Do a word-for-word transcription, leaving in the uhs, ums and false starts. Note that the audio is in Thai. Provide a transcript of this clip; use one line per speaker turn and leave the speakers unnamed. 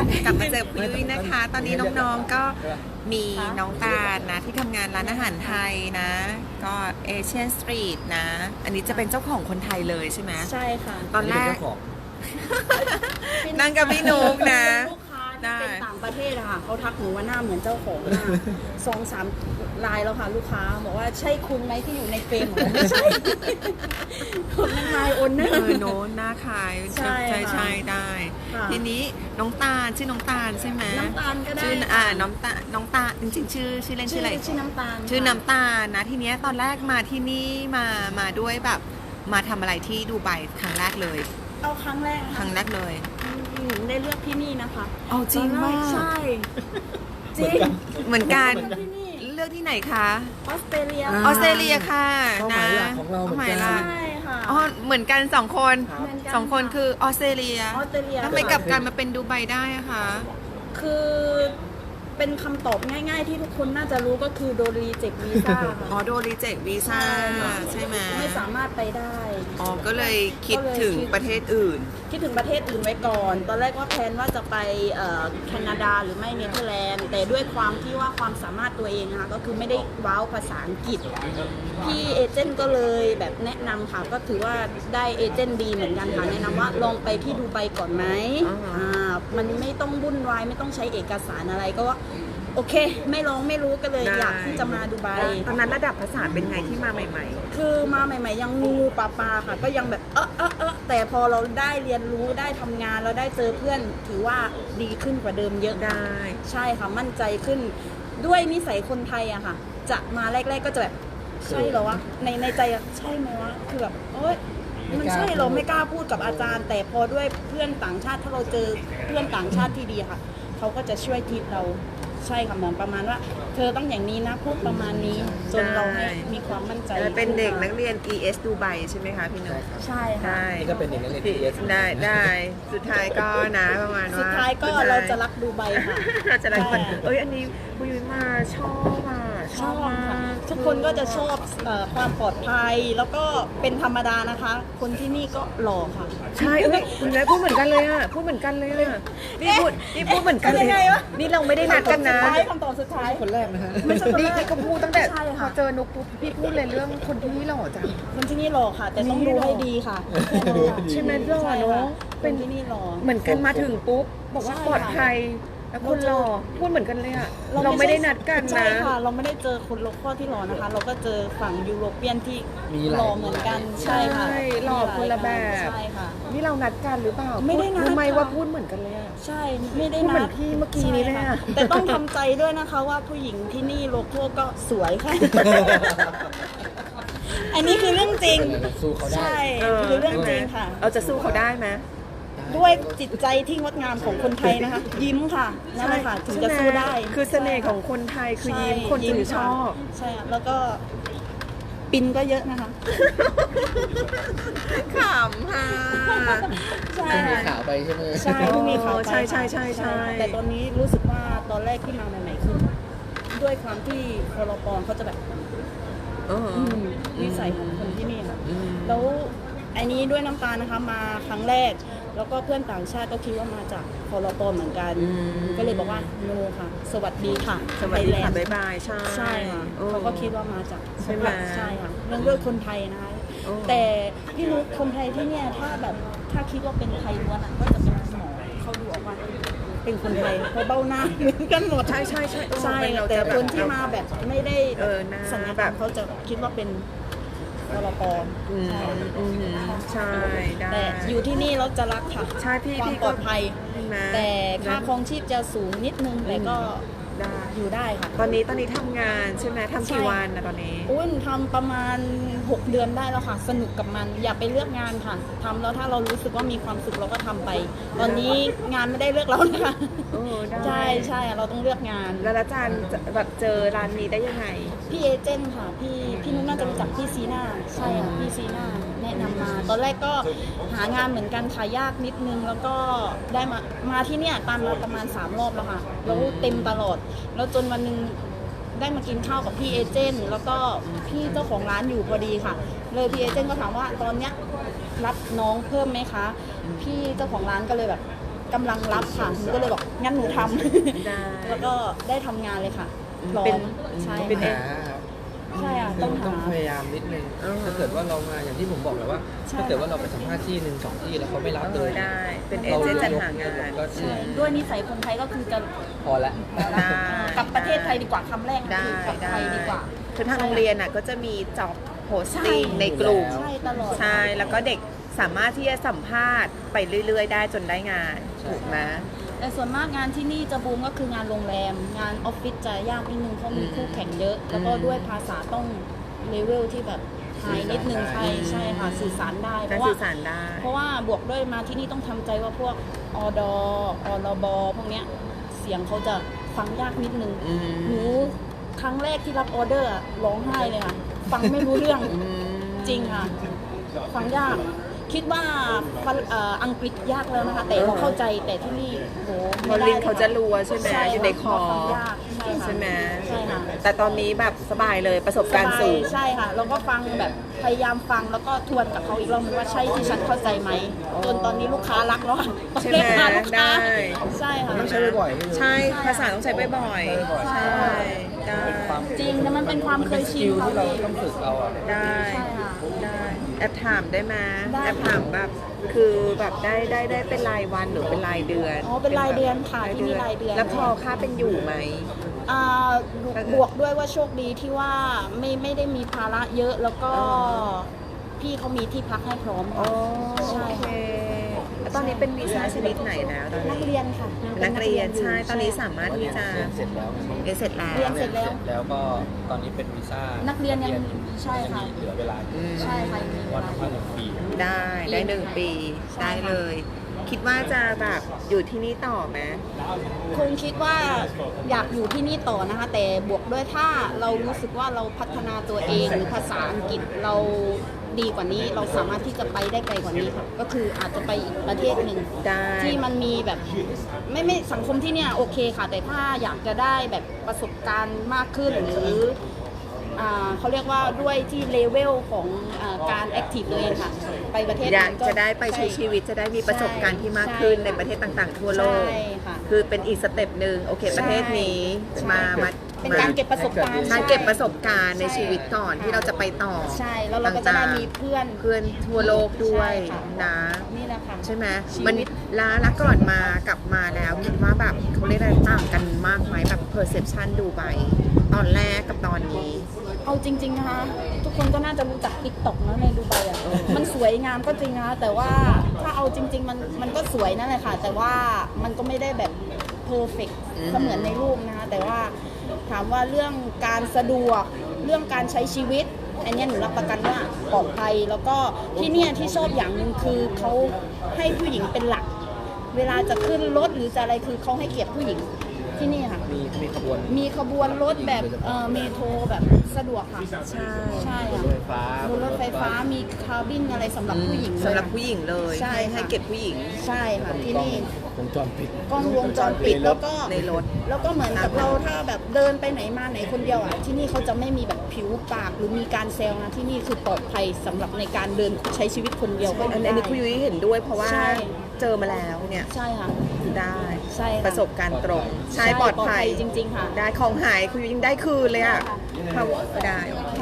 กลับมาเจอคุยยุ้ยนะคะ ตอนนี้น้องๆก็มีน้องตาลนะที่ทำงานร้านอาหารไทยนะ ก็เอเชียนสตรีทนะ อันนี้จะเป็นเจ้าของคนไทยเลยใช่ไหม
ใช่ค่ะ
ตอนแรก
เจ้าของ
นั่งกับพี่นุ๊กนะ
ลูกค้าที่เป็นต่างประเทศอะค่ะเขาทักหนูว่าหน้าเหมือนเจ้าของมากสองสามลายแล้วค่ะลูกค้าบอกว่าใช่คุณไหมที่อยู่ในเฟรมบอกว่าไม่ใช่คนนั้นนายโอนนะ
เออโน้นหน้าคล้าย
ใช่
ใช่
ค่ะ
ใช่ได้
ค่ะ
ทีนี้น้องตาลชื่อน้องตาลใช่ไหม
น้ำตาลก็ได้
ชื่อ
ค่ะ
อ่าน้องตาน้องตาลจริงๆ ชื่อชื่อเล่นชื่ออะไร
ชื่อน้ำตาล
ชื่อ
ค่ะ
น้ำตาลนะทีเนี้ยตอนแรกมาที่นี่มามาด้วยแบบมาทำอะไรที่ดูไบครั้งแรกเลย
เอาครั้งแรก
ครั้งแรกเลย
หนูได้เลือกที่นี่นะคะ
เอาจริง
ตอนแ
มาก
ใช่จริง
เหมือนกัน
ที่นี่
เลือกที่ไหนคะ
ออสเตรเลีย
ออสเตรเลียค่ะ
เป้าห
นะ
มายหลักของเราเหมือนกัน
ป้หยหลัก
ใช่ค่ะ
อ๋อเหมือนกันสองคน
ครับ
เหมือนกัน
สองคนคือออสเตรเลีย
ออสเตรเลีย
แล้วทำไมกลับกันมาเป็นดูไบได้อะคะ
คือเป็นคำตอบง่าย ๆ ที่ทุกคนน่าจะรู้ก็คือโดนรีเจ็ควีซ่า
อ๋อโดนรีเจ็ควีซ่าใช่ไหม
ไม่สามารถไปได้
อ๋อก็เลยคิด
ก็เลย
ถึง
คิด
ประเทศอื่น
คิดถึงประเทศอื่นไว้ก่อน ตอนแรกว่าแพลนว่าจะไปเอ่อแคนาดาหรือไม่เนเธอร์แลนด์ แต่ด้วยความที่ว่าความสามารถตัวเองนะคะก็คือไม่ได้ว้าวภาษาอังกฤษ พี่เอเจนต์ก็เลยแบบแนะนำค่ะ ก็ถือว่าได้เอเจนต์ดีเหมือนกันค่ะ แนะนำว่าลองไปที่ดูไบก่อนไหม
อ่าฮะ
อ่ามันไม่ต้องวุ่นวายไม่ต้องใช้เอกสารอะไรก็ว่าโอเค ไม่ลองไม่รู้ก็เลยอยากที่จะมาดูไบ
ตอนนั้นระดับภาษาเป็นไงที่มาใหม่
คือมาใหม่ๆยังงูปลาปลาค่ะ ก็ยังแบบเออเออเออแต่พอเราได้เรียนรู้ได้ทำงานเราได้เจอเพื่อนถือว่าดีขึ้นกว่าเดิมเยอะ
ๆ ได้
ใช่ค่ะมั่นใจขึ้น ด้วยนิสัยคนไทยอะค่ะ จะมาแรก ๆก็จะแบบใช่เหรอวะในในใจอะใช่ไหมวะคือแบบเอ้ยมันใช่เหรอไม่กล้าพูดกับอาจารย์ แต่พอด้วยเพื่อนต่างชาติถ้าเราเจอเพื่อนต่างชาติที่ดีค่ะ เขาก็จะช่วยทิปเราใช่ค่ะเหมือนประมาณว่า เธอต้องอย่างนี้นะพูดประมาณนี้จนเราให้มีความมั่นใจ
เป็นเด็กนัก
ขึ้มา
เรียน อี เอส ดูไบใช่ไหมคะพี่นุ๊ก
ใช่ค่ะ
ได้
นี่ก็เป็นอย่างนั้นเลย ที เอส
ได้ได้สุดท้ายก็นะประมาณว่า
สุดท้ายก็เราจะรักดูไบค่ะ
เราจะรักมัน
ใช่
เอ้ยอันนี้คุยมาชอบอ่ะช
ช
อ
อ
บบ มา
ค่ะ
ก
ทุกคนก็จะชอบเอ่อความปลอดภัยแล้วก็เป็นธรรมดานะคะ คนที่นี่ก็หล่อค่ะ
ใช่เอ้ยคุณแม่พูดเหมือนกันเลยอ่ะพูดเหมือนกันเลยอ่ะนี่พูดนี่พูดเหมือนกันเลย
ยังไงวะ
นี่เราไม่ได้นัดกันนะ
คำตอบสุดท้ายคำตอบสุดท้าย
คนแรกนะฮะ
ไม่ใช่คน
นี่
แรก
พี่ก็พูดตั้งแต่
ใช่
พ
ค่ะ
อเจอนุกปุ๊บพี่พูดเลยเรื่องคนที่นี่หล่อจัง
คนที่นี่หล่อค่ะ แต่ต้อง
นี่
ดู
หล่อ
ให้ดีค่ะ
ใช่ไหมหล่อ
ใช่
เน
ค่ะ
อะ
เป็
เป็น น
ที่นี่หล่อ
เหมือนกันมาถึงปุ๊บบอกว่า
ใช่
ปลอด
ค่ะ
ภัยแล้วคนหล่อพูดเหมือนกันเลยอ่ะเรา
เรา
ไม่
ไม่
ได้
ใช่
นัดกัน
ใช่
นะ
ค่ะ เราไม่ได้เจอคนโลคอลที่หล่อนะคะ เราก็เจอฝั่งยุโรเปียนที่
มีหลาย
หล่อเหมือนกันใช่ค่ะ
ใช่หล่อคนละแบบ
ใช่ค่ะ
นี่เรานัดกันหรือเปล่า
ไม่ได้นัด
รู้ไหม
ค่ะ
ว่าพูดเหมือนกันเลยอ่ะ
ใช่ไม่ได้
พูดเหมื
นั
อ
ด
นพี่เมื่อกี้นี้เลยอะ
ใช่ค่ะแต่ต้องทำใจด้วยนะคะว่าผู้หญิงที่นี่โลโก้ก็สวยค่ะ อันนี้คือเรื่องจริง
สู้เขาได้
ใช่คือเรื่องจริงค่ะ
เราจะสู้เขาได้ไหม
ด้วยจิตใจที่งดงามของคนไทยนะคะ ยิ้มค่ะนั่นแหละค่ะถึงจะสู้ได้
คือเสน่ห์ของคนไทยคือยิ้มคนถึงชอบ
ใช่ค่ะแล้วก็ปินก็เยอะนะคะ
ขำค่ะ
ใช่
จะมี
ค่ะ
ข่าวไปใช่ไหม
ใช่ที่มีข่าวไป
ใช่ใช่ใช่ใช่
แต่ตอนนี้รู้สึกว่าตอนแรกที่มาใหม่ๆคือด้วยความที่คอรปอนเขาจะแบบ
เออ
อืมนิสัยของคนที่นี่ค่ะ
อืม
แล้วไอ้นี้ด้วยน้ำตาลนะคะมาครั้งแรก แล้วก็เพื่อนต่างชาติก็คิดว่ามาจากคอรปอนเหมือนกัน
อืม
ก็เลยบอกว่าโนค่ะ สวัสดีค่ะ
สวัสดีค่ะ
ไทยแลนด์
บ๊ายบายใช่
ใช่ค่ะ
ออ
เขาก็คิดว่ามาจาก
ใช่ไหม
ใช่ค่ะเรื่องด้วยคนไทยนะคะ
โอ้
แต่พี่นุ๊กคนไทยที่เนี่ยถ้าแบบถ้าคิดว่าเป็นไทยล้วนอ่ะก็จะเป็นหมอเขาดูออกว่าเป็นคนไทยเพราะเบ้าหน้าเหมือนกันหมด
ใช่ใช่ใช่
ใช่
เออเรา
แต่
จะบบ
คนที่มาแบบไม่ได้
เออหน้า
สัญญา
แบ
แบบ บเขาจะคิดว่าเป็นวรป
อืม
ใช่
อืมใช่ได้
แต่อยู่ที่นี่เราจะรักค่ะ
ใช่พี่
ความ
พี่
ปลอดภัย
เห็นไหม
แต่ค่าครองชีพจะสูงนิดนึงแต่ก็
ได้
อยู่ได้ค่ะ
ตอนนี้ตอนนี้ทำงานใช่ไหมทำกี่
ใช่
วันนะตอนนี้
อุ้นทำประมาณหกเดือนได้แล้วค่ะ สนุกกับมัน อย่าไปเลือกงานค่ะทำแล้วถ้าเรารู้สึกว่ามีความสุขเราก็ทำไป ตอนนี้งานไม่ได้เลือกเรานะคะ
เออได้
ใช่ใช่เราต้องเลือกงาน
แล้วอาจารย์จะแบบเจอร้านนี้ได้ยังไง
พี่เอเจนต์ค่ะ พี่พี่นุ้นน่าจะรู้จักพี่ซีน่าใช่ค่ะพี่ซีน่าแนะนำมา ตอนแรกก็หางานเหมือนกันค่ะยากนิดนึง แล้วก็ได้มามาที่เนี่ยตามมาประมาณสามรอบแล้วค่ะแล้วเต็มตลอด แล้วจนวันหนึงได้มากินข้าวกับพี่เอเจนต์แล้วก็พี่เจ้าของร้านอยู่พอดีค่ะ เลยพี่เอเจนต์ก็ถามว่าตอนเนี้ยรับน้องเพิ่มไหมคะ พี่เจ้าของร้านก็เลยแบบกำลังรับค่ะหนูก็เลยบอกงั้นหนูทำ
ได้
แล้วก็ได้ทำงานเลยค่ะพร้อ
เป็น
มใช่
เป็นหา
ค่ะ
ครับ
ใช่ค่ะ
คือ
ต้อง
ต้อง
หา
พยายามนิดนึง
อ่าฮะ
ถ้าเกิดว่าเรามาอย่างที่ผมบอกแหละว่า
ใช่
ถ้าเกิดว่าเราไปสัมภาษณ์ที่หนึ่งสองที่แล้วเขาไม่รับ
เอ
เล
อย ได้ เป็นเอ
เรา
เจนต์จัดหางาน
ก็
ใช่ด้วยนิสัยคนไทยก็คือจะ
พอละ
ได้
กลับประเทศไทยดีกว่าคำแรก
ได้
คือกลับไทยดีกว่า
คือทางโรงเรียนน่ะก็จะมีจ็อบโพสติ้ง
ใช่
ในกลุ่ม
ใช่ตลอด
ใช่ แล้วก็เด็กสามารถที่จะสัมภาษณ์ไปเรื่อยๆ ได้จนได้งาน ถูกไหม
แต่ส่วนมากงานที่นี่จะบูมก็คืองานโรงแรม งานออฟฟิศจะยากนิดนึงเพราะมีคู่แข่งเยอะ แล้วก็ด้วยภาษาต้องเลเวลที่แบบไฮนิดนึงใช่ใช่ค่ะสื่อสารได้เพ
การ
ราะว่า
สื่อสารได้
เพราะว่าบวกด้วยมาที่นี่ต้องทำใจว่าพวกอดอรบพวกเนี้ยเสียงเขาจะฟังยากนิดนึง
อืม
หนูครั้งแรกที่รับออเดอร์อะร้องไห้เลยค่ะ ฟังไม่รู้เรื่อง
อืม
จริงค่ะ ฟังยาก คิดว่าฝรั่งเอ่ออังกฤษยากแล้วนะคะ แต่เราเข้าใจแต่ที่นี่โห
พอ
ไม่ได้
ลินเขาจะรัวใช่ไหม
ใช่
อยู่ในคอ
ฟังยากใช่ค่ะ
ใช่ไหม
ใช่ค่ะ
แต่ตอนนี้แบบสบายเลยประสบการณ์สูง
ใช่ค่ะ แล้วก็ฟังแบบพยายามฟังแล้วก็ทวนกับเขาอีกรอบนึงว่าใช่ที่ฉันเข้าใจไหมจนตอนนี้ลูกค้ารักแล้วอะ
ใช่ไหม
เรียกาลูกค้า
ได้
ใช่ค่ะ
ต้องใช้บ่อยๆ
ใช่ ภาษาต้องใช้บ่อยๆ
ใช่
ใช่ได้
จริงแต่มันเป็นความเคย
ส
ชิ
กิ
น
ล
ค่ะ
ที่เราต้องฝึกเอาอะ
ได้
ใช่ค่ะ
ได้แอบถามได้ไหม
ได้
แอบถามแบบคือแบบได้ได้ได้เป็นรายวันหรือเป็นรายเดือน
อ๋อเป็นรายเดือนค่ะที่นี่รายเดือน
แล้วพอค่าเป็นอยู่ไหม
อ่าบวกด้วยว่าโชคดีที่ว่าไม่ไม่ได้มีภาระเยอะแล้วก็
อ๋อ
พี่เขามีที่พักให้พร้อม
อ๋อ
ใช่
โอเค
ค่ะ
แล้วตอนนี้เป็นวีซ่าชนิดไหนแล้วตอน
นัก
นี้
เรียนค่ะ
เป็นนักเรียนใช่ ตอนนี้
ใช่
สามารถที่จะ
เรียนเสร็จแล้ว
เรียนเสร็จแล้ว
เรียนเสร็จ
แล้วก็ตอนนี้เป็นวีซ่า
นั
นั
กเรียนยังใช่ค่ะ
เหลือเวลา
อืม
ใช่ค่ะมีเว
วัน
ลา
ละหนึ่งปี
ได้ได้หนึ่งปี
ใช่
ได้
ค่ะ
เลย คิดว่าจะแบบอยู่ที่นี่ต่อไหม
คงคิดว่าอยากอยู่ที่นี่ต่อนะคะ แต่บวกด้วยถ้าเรารู้สึกว่าเราพัฒนาตัวเองหรือภาษาอังกฤษเราดีกว่านี้ เราสามารถที่จะไปได้ไกลกว่านี้ค่ะก็คืออาจจะไปอีกประเทศหนึ่ง
ได้
ที่มันมีแบบไม่ไม่สังคมที่เนี่ยโอเคค่ะ แต่ถ้าอยากจะได้แบบประสบการณ์มากขึ้นหรืออ่าเขาเรียกว่าด้วยที่เลเวลของอาการแอคทีฟตัวเองค่ะ ไปประเทศ
อยาก
นั้น
จะได้ไปใช้ชีวิตจะได้มีประสบการณ์ที่มากขึ้นในประเทศต่างๆ ทั่วโลก
ใช่ค่ะ
คือเป็นอีกสเต็ปหนึ่งโอเค ประเทศนี้
ใช่
มามา
เป็นการเก็บประสบการณ์
ใช่เก็บประสบการณ์ใน
ใช่
ชีวิตก่อนที่เราจะไปต่อ
ใช่แล้วเราก็จะได้มีเพื่อน
เพื่อนทั่วโลกด้วย
ใช่ค่ะ
นะ
นี่แหละค่ะ
ใช่ไหม
ชีวิต
มันล้าละก่อนมากลับมาแล้วคิดว่าแบบเขาเรียกอะไรต่างกันมากไหมแบบ perception ดูไปตอนแรกกับตอนนี้
เอาจริง ๆ นะคะ ทุกคนก็น่าจะรู้จักติ๊กต็อกนะในดูไบอ่ะ มันสวยงามก็จริงนะคะแต่ว่าถ้าเอาจริง ๆ มันมันก็สวยนั่นแหละค่ะ แต่ว่ามันก็ไม่ได้แบบเพอร์เฟกต์
อืม
เสมือนในรูปนะคะ แต่ว่าถามว่าเรื่องการสะดวกเรื่องการใช้ชีวิต อันเนี้ยหนูรับประกันว่าปลอดภัย แล้วก็ที่เนี่ยที่ชอบอย่างหนึ่งคือเขาให้ผู้หญิงเป็นหลัก เวลาจะขึ้นรถหรือจะอะไรคือเขาให้เกียรติผู้หญิงที่นี่ค่ะ
มีมีขบวน
มีขบวนรถแบบเอ่อเมโทรแบบสะดวกค่ะ
ใช่
ใช่
รถ
ค่ะ
ไฟฟ้า
บนรถไฟฟ้ามีคาร์บินอะไรสำหรับผู้หญิงเลย
สำหรับผู้หญิงเลย
ใช่
ให้
ค่ะ
ให้เก็บผู้หญิง
ใช่ค่ะที่นี่
วงจรปิด
กล้องวงจรปิดแล้วก็
ในรถ
แล้วก็เหมือนกับเราถ้าแบบเดินไปไหนมาไหนคนเดียวอ่ะที่นี่เขาจะไม่มีแบบผิวปากหรือมีการแซวนะที่นี่คือปลอดภัยสำหรับในการเดินใช้ชีวิตคนเดียวก็
อัน
ได้
นี้คุยยุ้ยเห็นด้วยเพราะว่า
ใช่
เจอมาแล้วเนี่ย
ใช่ค่ะ
ได้
ใช่ค่ะ
ประสบการณ์ตรง ใช่
ใช่
ปลอดภัย
จริง ๆ ค่ะ
ได้ของหายคุยยุ้ยยังได้คืนเลยอ่ะ
ใช่ค่ะ
เขาได้